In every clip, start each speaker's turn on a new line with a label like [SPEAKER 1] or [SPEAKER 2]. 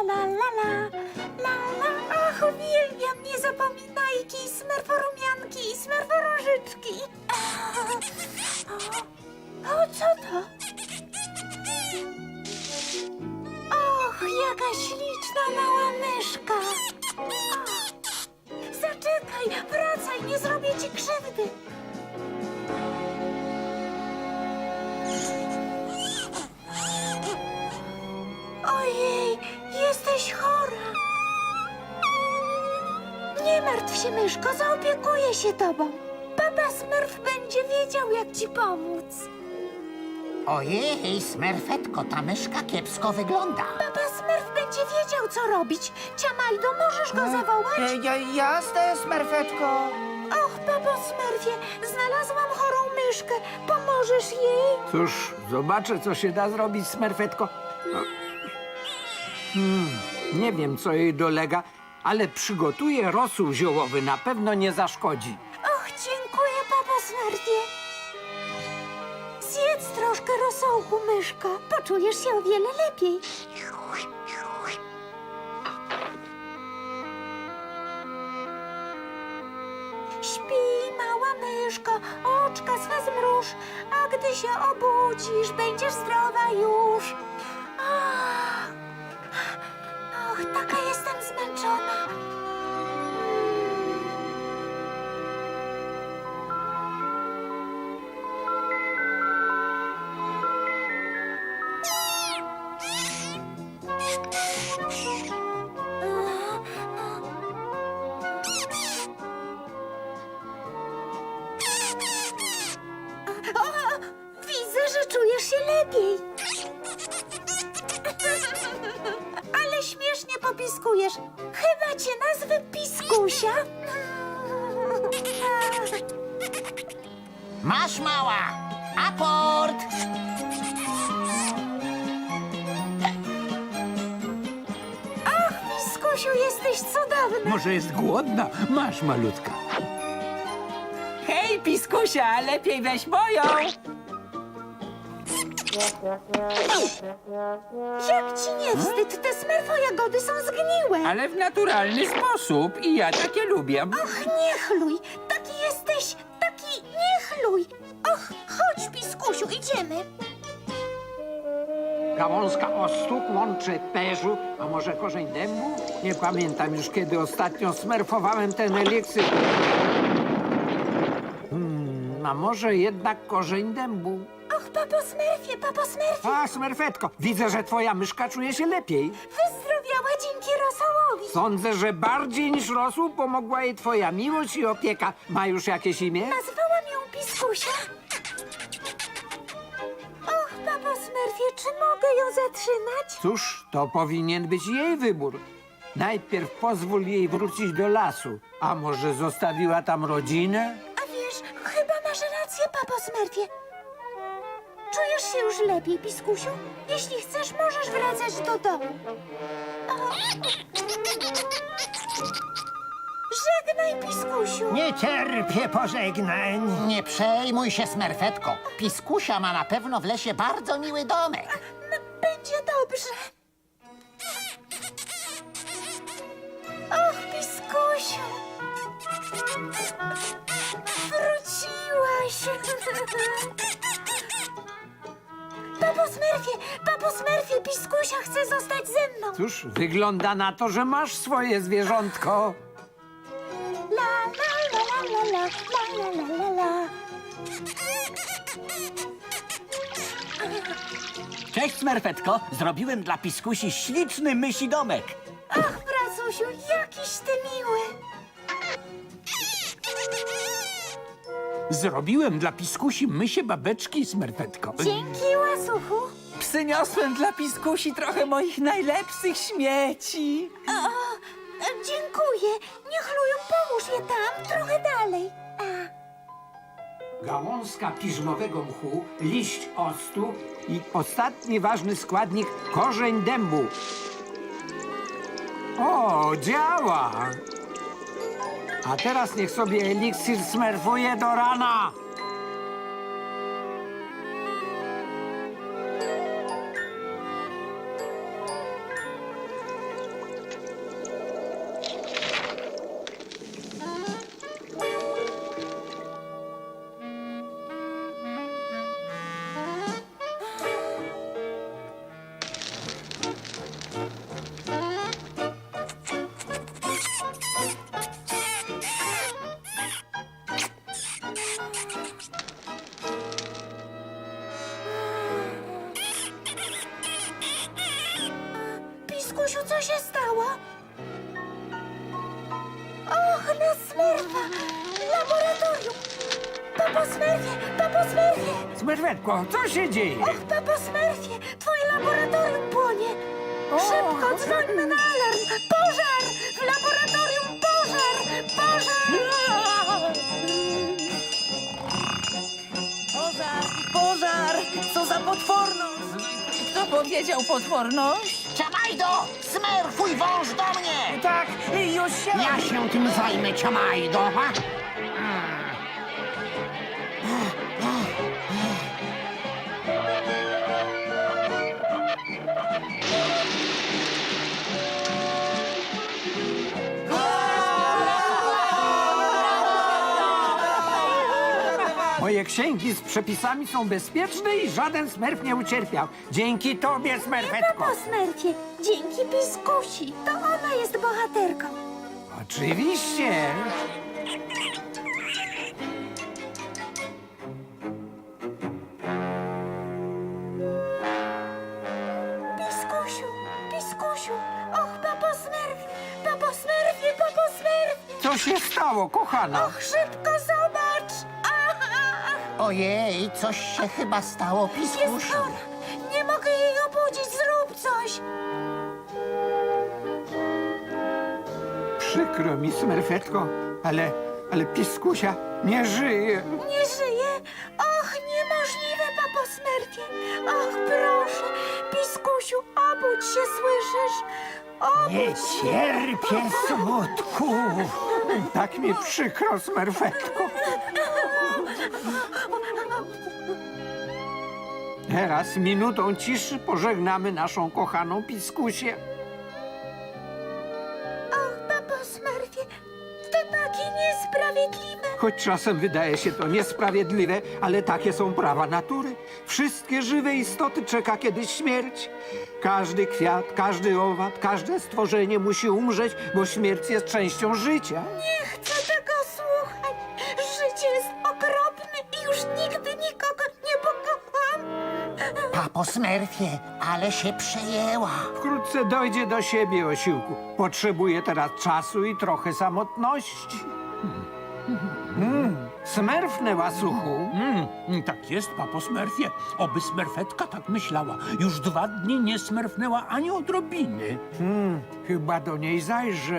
[SPEAKER 1] la, la, la, la, la. Ach, uwielbiam niezapominajki, smerforumianki i smerforóżyczki. O, co to? Och, jaka śliczna mała myszka. Zaczekaj, wracaj, nie zrobię ci krzywdy. Ojej, jesteś chora. Nie martw się, myszko, zaopiekuję się tobą. Papa Smurf będzie wiedział, jak ci pomóc.
[SPEAKER 2] Ojej, Smerfetko, ta myszka kiepsko wygląda.
[SPEAKER 1] Papa Smurf będzie wiedział, co robić. Ciamajdo, możesz go zawołać?
[SPEAKER 3] Jasne, Smerfetko.
[SPEAKER 1] Och, papo Smurfie, znalazłam chorą myszkę. Pomożesz jej?
[SPEAKER 4] Cóż, zobaczę, co się da zrobić, Smerfetko. No. Nie wiem, co jej dolega, ale przygotuję rosół ziołowy. Na pewno nie zaszkodzi.
[SPEAKER 1] Och, dziękuję, papo Smurfie. Zjedz troszkę rosołku, myszko. Poczujesz się o wiele lepiej. Śpi, mała myszko, oczka swe zmruż, a gdy się obudzisz, będziesz zdrowa już. Ach, och, taka jestem zmęczona. O, widzę, że czujesz się lepiej. Ale śmiesznie popiskujesz. Chyba cię nazwę Piskusia.
[SPEAKER 2] Masz, mała! Aport!
[SPEAKER 1] Ach, Piskusiu, jesteś cudowny.
[SPEAKER 4] Może jest głodna? Masz, malutka.
[SPEAKER 3] Hej, Piskusia, lepiej weź moją.
[SPEAKER 1] Jak ci nie wstyd? Te smerfo jagody są zgniłe.
[SPEAKER 3] Ale w naturalny sposób i ja takie lubię.
[SPEAKER 1] Och, nie chluj. Taki jesteś, taki nie chluj. Och, chodź, Piskusiu, idziemy.
[SPEAKER 4] Gałązka ostu, łączy perzu, a może korzeń dębu? Nie pamiętam już, kiedy ostatnio smerfowałem ten eliksir. A może jednak korzeń dębu?
[SPEAKER 1] Och, papo Smurfie, papo Smurfie.
[SPEAKER 4] A, Smerfetko, widzę, że twoja myszka czuje się lepiej.
[SPEAKER 1] Wyzdrowiała dzięki rosołowi.
[SPEAKER 4] Sądzę, że bardziej niż rosół pomogła jej twoja miłość i opieka. Ma już jakieś imię?
[SPEAKER 1] Nazwałam ją Piskusia. Och, papo Smurfie, czy mogę ją zatrzymać?
[SPEAKER 4] Cóż, to powinien być jej wybór. Najpierw pozwól jej wrócić do lasu. A może zostawiła tam rodzinę?
[SPEAKER 1] A wiesz, chyba masz rację, papo Smurfie. Czujesz się już lepiej, Piskusiu? Jeśli chcesz, możesz wracać do domu. O. Żegnaj, Piskusiu.
[SPEAKER 5] Nie cierpię pożegnań.
[SPEAKER 2] Nie przejmuj się, Smerfetko. Piskusia ma na pewno w lesie bardzo miły domek.
[SPEAKER 1] No, będzie dobrze. Och, Piskusiu. Wróciłaś. Papo Smurfie, Piskusia chce zostać ze mną.
[SPEAKER 4] Cóż, wygląda na to, że masz swoje zwierzątko.
[SPEAKER 1] La, la, la, la, la, la, la, la, la, la.
[SPEAKER 6] Cześć, Smerfetko. Zrobiłem dla Piskusi śliczny mysi domek.
[SPEAKER 1] Ach, Pracusiu, jakiś ty miły.
[SPEAKER 4] Zrobiłem dla piskusi mysie babeczki, Smerfetko.
[SPEAKER 1] Dzięki, łasuchu.
[SPEAKER 3] Przyniosłem dla Piskusi trochę moich najlepszych śmieci.
[SPEAKER 1] Dziękuję. Niech lują, połóż je tam, trochę dalej.
[SPEAKER 4] Gałązka piżmowego mchu, liść octu i ostatni ważny składnik korzeń dębu. O, działa! A teraz niech sobie eliksir smerfuje do rana.
[SPEAKER 1] Piskusiu, co się stało? Och, na Smerfa! Laboratorium! Papo Smerfie! Papo Smerfie!
[SPEAKER 4] Smerfetko, co się dzieje?
[SPEAKER 1] Och, papo Smerfie! Twoje laboratorium płonie! Szybko dzwońmy na alarm! Pożar! W laboratorium pożar! Pożar!
[SPEAKER 3] Pożar! Co za potworność! Kto powiedział potworność?
[SPEAKER 2] Ciamajdo! Smerfuj wąż do mnie!
[SPEAKER 3] Tak, już się...
[SPEAKER 2] Ja się tym zajmę, Ciamajdo. Ha?
[SPEAKER 4] Moje księgi z przepisami są bezpieczne i żaden smerf nie ucierpiał. Dzięki tobie, Smerfetko.
[SPEAKER 1] Papo Smerfie! Dzięki Piskusi! To ona jest bohaterką!
[SPEAKER 4] Oczywiście.
[SPEAKER 1] Piskusiu! Piskusiu! Och, papo Smerfie! Papo Smerfie! Papo Smerfie!
[SPEAKER 4] Co się stało, kochana?
[SPEAKER 1] Och, szybko zobacz! Ach,
[SPEAKER 2] Ojej, coś się chyba stało,
[SPEAKER 1] jest
[SPEAKER 2] Piskusiu.
[SPEAKER 1] chora! Nie mogę jej obudzić! Zrób coś!
[SPEAKER 4] Przykro mi, Smerfetko, ale Piskusia nie żyje.
[SPEAKER 1] Nie żyje? Och, niemożliwe, papo Smerfie! Och, proszę! Piskusiu, obudź się, słyszysz?
[SPEAKER 5] Nie
[SPEAKER 1] Obudź się!
[SPEAKER 5] cierpię smutku.
[SPEAKER 4] Tak mi przykro, Smerfetko. Teraz minutą ciszy pożegnamy naszą kochaną Piskusię.
[SPEAKER 1] Och, papo Smerfie! To takie niesprawiedliwe!
[SPEAKER 4] Choć czasem wydaje się to niesprawiedliwe, ale takie są prawa natury. Wszystkie żywe istoty czeka kiedyś śmierć. Każdy kwiat, każdy owad, każde stworzenie musi umrzeć, bo śmierć jest częścią życia.
[SPEAKER 1] Nie chcę tego słuchać! Życie jest okropne i już nigdy nikogo nie pokocham!
[SPEAKER 2] Papo Smerfie, ale się przejęła.
[SPEAKER 4] Wkrótce dojdzie do siebie, osiłku. Potrzebuje teraz czasu i trochę samotności. Smerfnę, łasuchu.
[SPEAKER 7] Tak jest, papo Smerfie. Oby Smerfetka tak myślała. Już 2 dni nie smerfnęła ani odrobiny.
[SPEAKER 4] Chyba do niej zajrzę.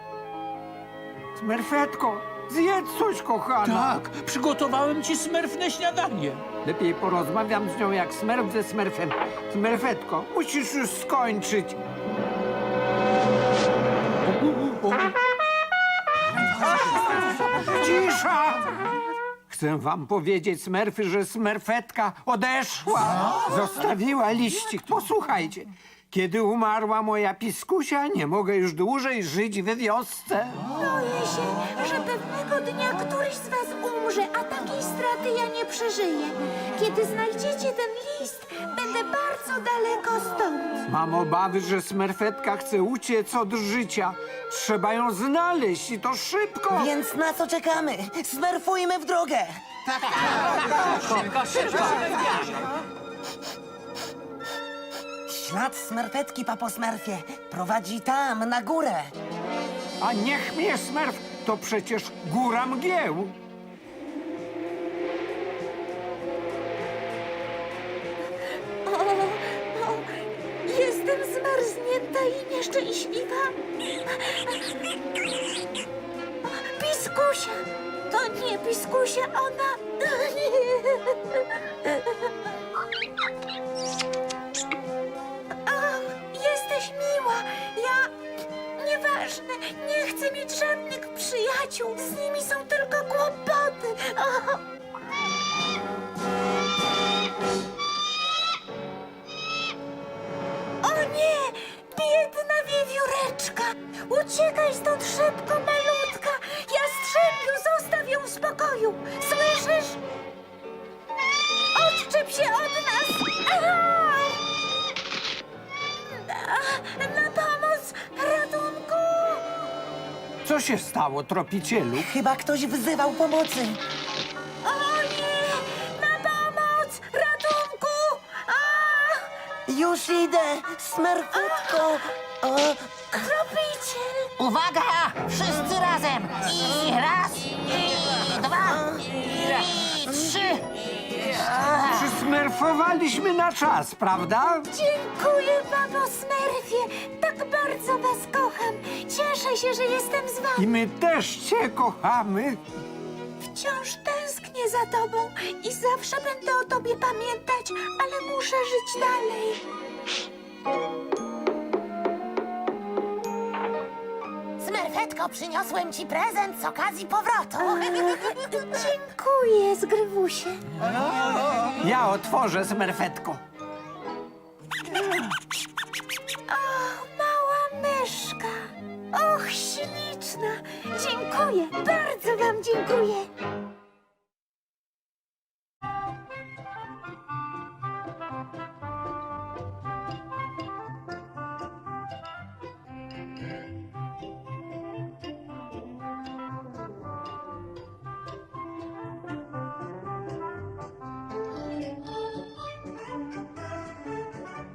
[SPEAKER 4] Smerfetko, zjedz coś, kochana.
[SPEAKER 7] Tak, przygotowałem ci smerfne śniadanie.
[SPEAKER 4] Lepiej porozmawiam z nią jak smerf ze smerfem. Smerfetko, musisz już skończyć. Cisza! Chcę wam powiedzieć, smerfy, że smerfetka odeszła. Zostawiła liścik. Posłuchajcie. Kiedy umarła moja Piskusia, nie mogę już dłużej żyć we wiosce.
[SPEAKER 1] Boję się, że pewnego dnia któryś z was umrze, a takiej straty ja nie przeżyję. Kiedy znajdziecie ten list, będę bardzo daleko stąd.
[SPEAKER 4] Mam obawy, że smerfetka chce uciec od życia. Trzeba ją znaleźć i to szybko.
[SPEAKER 3] Więc na co czekamy? Smerfujmy w drogę! Ślad smerfetki, papo Smerfie, prowadzi tam, na górę.
[SPEAKER 4] A niech mnie smerf, to przecież góra mgieł.
[SPEAKER 1] O, jestem zmarznięta i nieszczęśliwa. Piskusia! To nie Piskusia, ona... Ach, jesteś miła. Ja... Nieważne, nie chcę mieć żadnych przyjaciół. Z nimi są tylko kłopoty. O. O nie! Biedna wiewióreczka! Uciekaj stąd szybko, malutka! Jastrzębiu, zostaw ją w spokoju! Słyszysz? Odczep się od nas! Na pomoc! Ratunku!
[SPEAKER 4] Co się stało, tropicielu?
[SPEAKER 3] Chyba ktoś wzywał pomocy.
[SPEAKER 1] O nie! Na pomoc! Ratunku!
[SPEAKER 8] Już idę, Smerfetko.
[SPEAKER 1] Kropiciel!
[SPEAKER 2] Uwaga! Wszyscy razem! I raz, i dwa, i trzy!
[SPEAKER 4] Przysmerfowaliśmy na czas, prawda?
[SPEAKER 1] Dziękuję, papo Smurfie! Tak bardzo was kocham! Cieszę się, że jestem z wami!
[SPEAKER 4] I my też cię kochamy.
[SPEAKER 1] Wciąż tęsknię za tobą i zawsze będę o tobie pamiętać, ale muszę żyć dalej.
[SPEAKER 8] Smerfetko, przyniosłem ci prezent z okazji powrotu.
[SPEAKER 1] Dziękuję, Zgrywusie.
[SPEAKER 4] Ja otworzę, Smerfetko.
[SPEAKER 1] Mała myszka. Och, śliczna. Dziękuję, bardzo wam dziękuję.